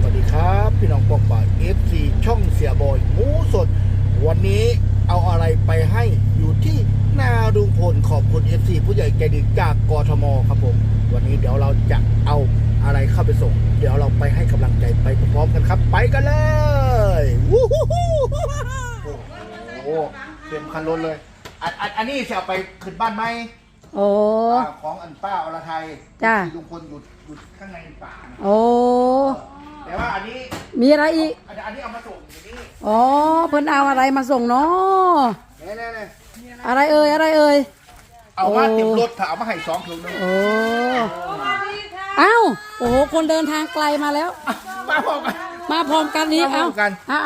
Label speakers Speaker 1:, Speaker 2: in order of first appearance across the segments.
Speaker 1: วัสดีครับพี่น้องปอกป่า FC ช่องเสียบอยหมูสดวันนี้เอาอะไรไปให้อยู่ที่นาลุงพลขอบคุณ FC ผู้ใหญ่ใจดีจากกทมครับผมวันนี้เดี๋ยวเราจะเอาอะไรเข้าไปส่งเดี๋ยวเราไปให้กำลังใจไปพร้อมๆกันครับไปกันเลยวู้ฮู้ฮู้โอ้โหเต็มคันรถเลยอันนี้จะเอาไปขึ้นบ้านไหม
Speaker 2: โอ้
Speaker 1: ของอันป้าอรไทย
Speaker 2: จ้า
Speaker 1: ลุงพลอยู่ข้างในป่า
Speaker 2: โอ้
Speaker 1: แต่ว่าอันนี้
Speaker 2: มีอะไรอีก
Speaker 1: อันนี้เอามาส่งอยู่นี่
Speaker 2: อ๋อเพิ่นเอาอะไรมาส่งเนาะ
Speaker 1: เนี่ย
Speaker 2: อะไรเอ่ย
Speaker 1: เอามาเต็มรถถ้าเอามาให้2 ถุงนึง
Speaker 2: โอ้อ้าวโอ้โหคนเดินทางไกลมาแล้ว
Speaker 1: มาพร้อมกัน
Speaker 2: นี่เอา
Speaker 1: โ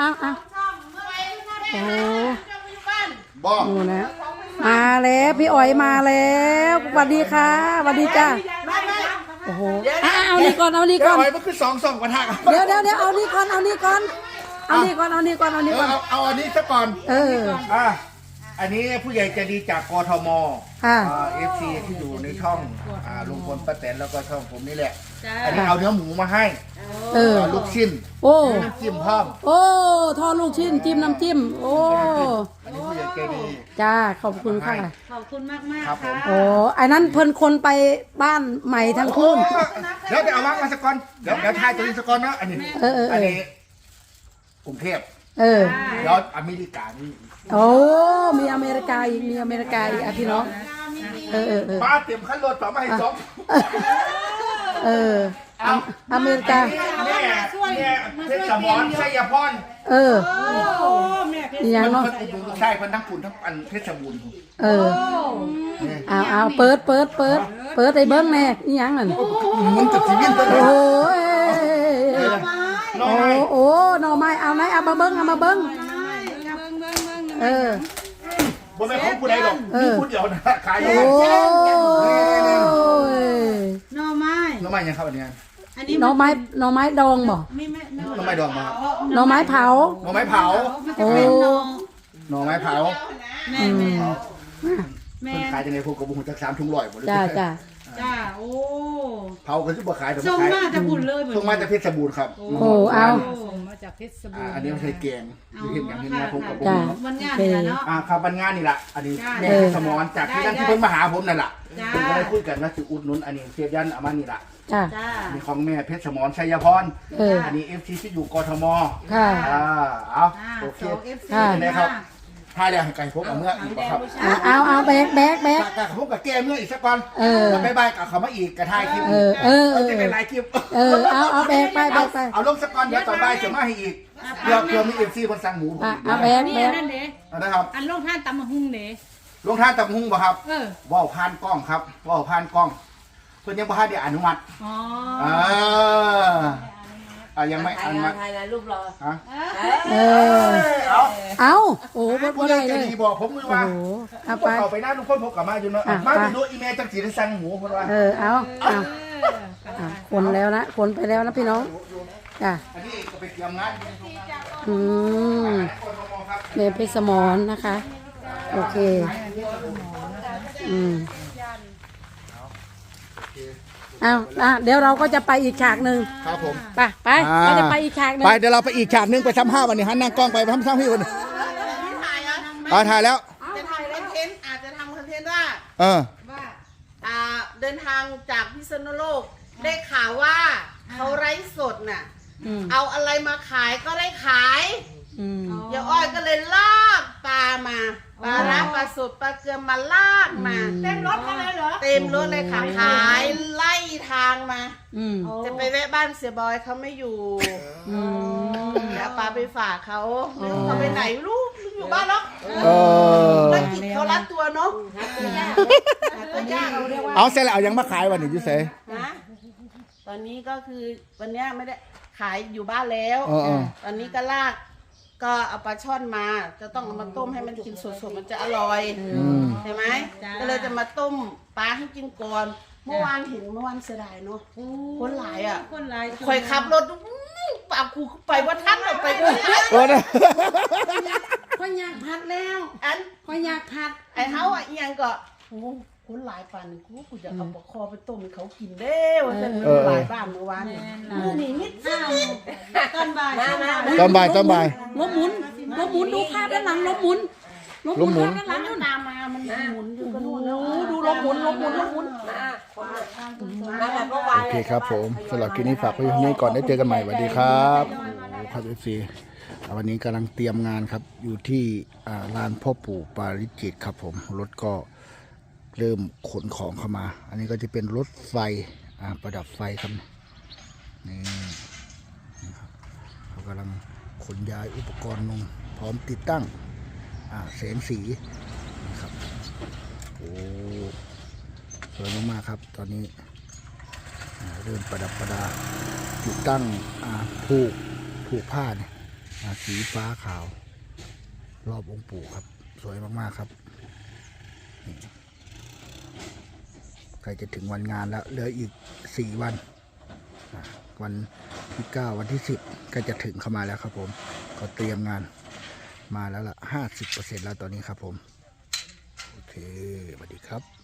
Speaker 2: อ้
Speaker 1: บอก
Speaker 2: ดูนะมาแล้วพี่อ๋อยมาแล้วสวัสดีค่ะสวัสดีจ้าโอ้โหเอานี่ก่อน
Speaker 1: อ๋อยมันคือ2 กระทะ
Speaker 2: เดี๋ยวเอานี่ก่อนเอานี่ก่อนเอาอัน
Speaker 1: นี้ซะก่อนอันนี้ผู้ใหญ่ใจดีจากกทมFC ที่อยู่ในช่องลุงพลป้าแตนแล้วก็ช่องผมนี่แหละอันนี้เอาเนื้อหมูมาให้ลูกชิ้นน้ำจิ้มพร้อม
Speaker 2: ทอดลูกชิ้นจิ้มน้ำจิ้ม
Speaker 1: อันนี้ผู้ใหญ่ใจดี
Speaker 2: จ้าขอบคุณค่ะ
Speaker 3: ขอบคุณมาก
Speaker 1: ครับผม
Speaker 2: อันนั้นเพิ่นคนไปบ้านใหม่ทั้งคู่
Speaker 1: เดี๋ยวเอามาสักก่อนเดี๋ยวทายตัวนี้สักก่อนนะอันนี้กรุงเทพเดี๋ยวอเมริกานี่
Speaker 2: มีอเมริกาอีกพี่น้อง
Speaker 1: ป้าเตรียมขั้นรถต่อมาให้2
Speaker 2: อเมริกา
Speaker 1: เนี่ยเพชรสมรชัยพร
Speaker 2: อย่างเนาะ
Speaker 1: ใช่เพิ่นทั้งขุนทั้งอันเพชรบูรณ์
Speaker 2: เอาเปิดไอ้เบิ้งแน่นี่ยังนั่น
Speaker 1: มันจะชีวิต
Speaker 2: โอ้หน่อไม้เอาไหนเอามาเบิ้ง
Speaker 1: บ่แม่ของผู้ใดดอกมีผู้เดียวนะขายห
Speaker 3: น่อไม้
Speaker 1: ยังครับอันนี้
Speaker 2: หน่อไม้ดองบ่
Speaker 1: หน่อไม้ดองมา
Speaker 2: หน่อไม้เผา
Speaker 1: หน่อไม้เผาเพิ่นขายจังได๋พวกกระบุงจัก3 ถุง100บ่
Speaker 2: จ้า
Speaker 3: โอ้
Speaker 1: เผาก็สิบ่ขายแต่
Speaker 3: ส่งมาจากบุญเลย
Speaker 1: ส่งมาจากเพชรบูรณ์ครับ
Speaker 2: เอา
Speaker 3: ส่งมาจากเพชรบูรณ์
Speaker 1: อันนี้มันใช้แกงอยู่เห็นอย่างเห็นนะผมกับผม
Speaker 3: วันงานนี่ล่ะเนาะ
Speaker 1: ครับวันงานนี่ล่ะอันนี้แม่สมรจากที่นั่นที่เพิ่นมาหาผมนั่นล่ะเพิ่นก็ได้คุยกันว่าสิอุดหนุนอันนี้เสียยันเอามานี่ล่ะมีของแม่เพชรสมรชัยพรอันนี้ FC ที่อยู่กทมเอาโอเคนะครับถ้าเดี๋ยวให้ไก่พบเอาเมื่ออีกครับ
Speaker 2: เอาแบก
Speaker 1: แต่พบกับแก้เมื่ออีกสักก่อนไปบายกับเขามาอีกกระทายคลิปจะเป็นลายคลิป
Speaker 2: เอาแบกไป
Speaker 1: เอาลงสักก่อนเดี๋ยวต่อไปจะมาให้อีกเดี๋ยวมีFC คนสั่งหมู
Speaker 2: เอาแบก
Speaker 3: นั่นเด้
Speaker 1: นะครับ
Speaker 3: อันลงท่านตำมะฮุ่งเด้
Speaker 1: ลงท่านตำหุ้งป่ะครับว่าวผ่านกล้องครับว่าวผ่านกล้องเพื่อนยังบ่ทันได้อนุมัติยังไม่อนุมัติ
Speaker 4: ถ่ายรูปรอ
Speaker 2: เอาโอ้
Speaker 1: บ่ได้เลยบอกผมมือว่าเอาไปหน้าลุงพลพบกับมาอยู่เนาะมาดูอีเมลจังสีได้สั่งหมูเพิ่นว่า
Speaker 2: เอาคนแล้วนะคนไปแล้วนะพี่น้องจ้ะ
Speaker 1: อันนี้ก็ไปเตรียมงาน
Speaker 2: เมย์เพชรสมรนะคะโอเคเดี๋ยวเราก็จะไปอีกฉากหนึ่ง
Speaker 1: ครับผม
Speaker 2: ไปเราจะไปอีกฉากหนึ่ง
Speaker 1: ไปเดี๋ยวเราไปอีกฉากหนึ่งไปทำ5 วันนี้หันนั่งกล้องไปทำ5 พี่วันถ่ายแล้ว
Speaker 4: จะทำคอนเทนต์อาจจะทำคอนเทนต์ว่าเดินทางจากพิษณุโลกได้ข่าวว่าเขาไร้สดน่ะเอาอะไรมาขายก็ได้ขายยายอ้อยก็เลยลากปลามาปลาร้าปลาสดปลาเกลือมาลากมา
Speaker 3: เต็มรถเลยเหรอ
Speaker 4: เต็มรถเลยค่ะขายไล่ทางมาจะไปแวะบ้านเสียบอยเขาไม่อยู่แล้วปลาไปฝากเขาเขาไปไหนลูกอยู่บ้านหรอกแล้วกินเขารัดตัวเนาะ
Speaker 1: เอาเสร็จแล้วเอายังมาขายวันนี้ยูเซ่
Speaker 4: ตอนนี้ก็คือวันนี้ไม่ได้ขายอยู่บ้านแล้วตอนนี้ก็ลากก็เอาปลาช่อนมาจะต้องเอามาต้มให้มันกินสดๆมันจะอร่อยใช่ไหมก็เลยจะมาต้มปลาให้กินก่อนเมื่อวานเสียดายเนาะคนหลายคอยขับรถปากกูไปว่าท่านไปด้วย
Speaker 2: ค่อยอยากผัดแล้วค่อยอยากผัด
Speaker 4: ไอ้เขาอ่ะยังก็คนหลายป่านนึงกูจะเอาปลาคอไปต้มให้เขากินเด้ว่าจะหลายบ้านเมื่อวานนี่นิดตอนบ่าย
Speaker 1: ตอนบ่ายตอนบ่าย
Speaker 2: ล้มหมุนดูภาพด้านหลังล้มหมุน
Speaker 1: ล้มหมุน
Speaker 2: ภาพด้านหลังนู่น
Speaker 4: ตามมามันหมุนอยู่ก็นู่น
Speaker 2: โอ้ดูล้มหมุน
Speaker 5: มาแบบเมื่อวาน
Speaker 1: โอเคครับผมสำหรับคลิปนี้ฝากไว้เท่านี้ก่อนได้เจอกันใหม่สวัสดีครับโอ้ครับ FC วันนี้กำลังเตรียมงานครับอยู่ที่ลานพ่อปู่ปาริจิตครับผมรถก็เริ่มขนของเข้ามา อันนี้ก็จะเป็นรถไฟประดับไฟครับนี่ครับเขากำลังขนย้ายอุปกรณ์ลงพร้อมติดตั้งแสงสีนะครับโอ้สวยมากๆครับตอนนี้เริ่มประดับประดาติดตั้งผูกผ้าเนี่ยสีฟ้าขาวรอบองค์ปู่ครับสวยมากๆครับใกล้จะถึงวันงานแล้วเหลืออีก4 วันวันที่9วันที่10ก็จะถึงเข้ามาแล้วครับผมก็เตรียมงานมาแล้วล่ะ 50% แล้วตอนนี้ครับผมโอเคสวัสดีครับ